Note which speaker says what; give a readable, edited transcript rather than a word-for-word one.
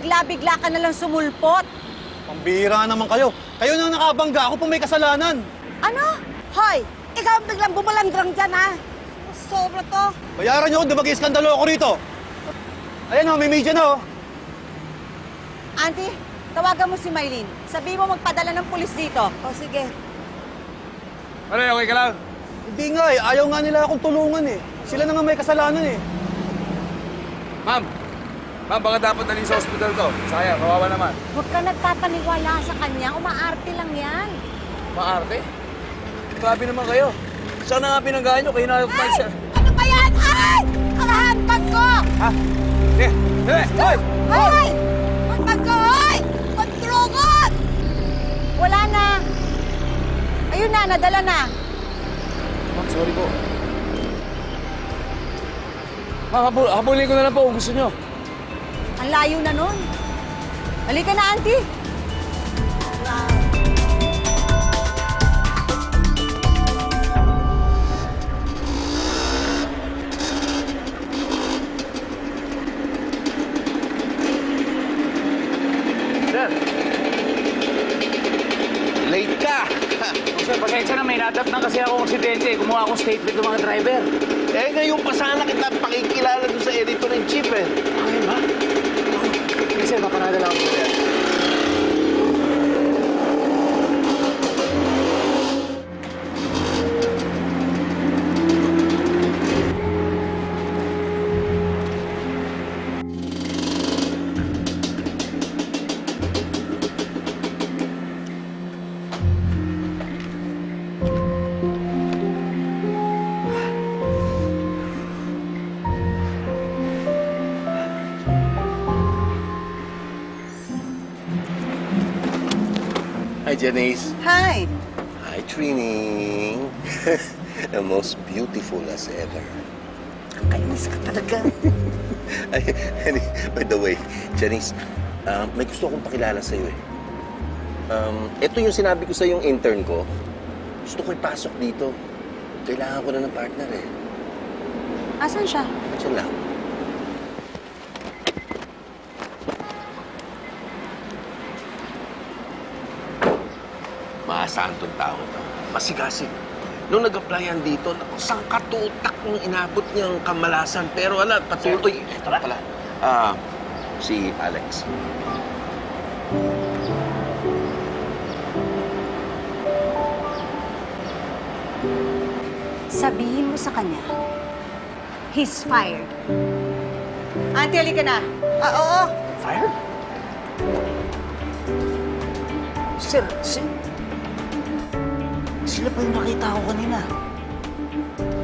Speaker 1: bigla-bigla ka nalang sumulpot.
Speaker 2: Pambira naman kayo. Kayo nang nakabangga, ako pa may kasalanan.
Speaker 1: Ano? Hoy, ikaw ang biglang bumalandrang dyan, ha? Sobra to.
Speaker 2: Bayaran niyo kung mag-iiskandalo ako rito. Ayan o, may media na o.
Speaker 1: Auntie, tawagan mo si Maylene. Sabi mo magpadala ng pulis dito. O, sige.
Speaker 3: Ano, okay ka lang?
Speaker 2: Hindi nga eh, ayaw nga nila akong tulungan eh. Sila na nga may kasalanan eh.
Speaker 3: Ma'am, baka dapat dalhin sa ospital to. Sayang, kawawa naman.
Speaker 1: Huwag ka nagpapaniwala sa kanya. Umaarte lang yan.
Speaker 3: Maarte? Grabe naman kayo. Saan na nga pinanggahan nyo? Kayo na kumain siya.
Speaker 1: Ano ba yan? Ay! Ang handbag ko!
Speaker 3: Ha? Sige, sige! Hoy!
Speaker 1: Hoy! Handbag ko, hoy! Pagtrugot! Wala na. Ayun na, nadala na.
Speaker 3: Ma'am, sorry po. Ma'am, habulin ko na lang po kung gusto nyo.
Speaker 1: Ang layo na nun. Halika na, auntie.
Speaker 4: Sir. Late ka!
Speaker 5: Sir, pasensya na, may natap na kasi akong aksidente. Kumuha akong statement ng mga driver.
Speaker 4: Eh, ngayon pa sana kita pakikilala doon sa editor-in-chief eh.
Speaker 5: Ay, ba? Sir, paparada lang ako.
Speaker 4: Hi, Janice.
Speaker 1: Hi.
Speaker 4: Hi, Trini. The most beautiful as ever.
Speaker 1: Ang kainis ka talaga.
Speaker 4: Ay, by the way, Janice, may gusto akong pakilala sa'yo eh. Ito yung sinabi ko sa yung intern ko. Gusto ko ipasok dito. Kailangan ko na ng partner eh.
Speaker 1: Asan siya?
Speaker 4: Diyan lang. Maasahan tong tao to. Masigasig. Nung nag-applyan dito, naku, sangkatutak yung inabot niyang kamalasan. Pero ala, patuloy. Ito pala. Si Alex.
Speaker 1: Sabihin mo sa kanya, he's fired. Auntie, halika na. Oo.
Speaker 5: Fire? Sir, sila pa yung nakita ko kanina.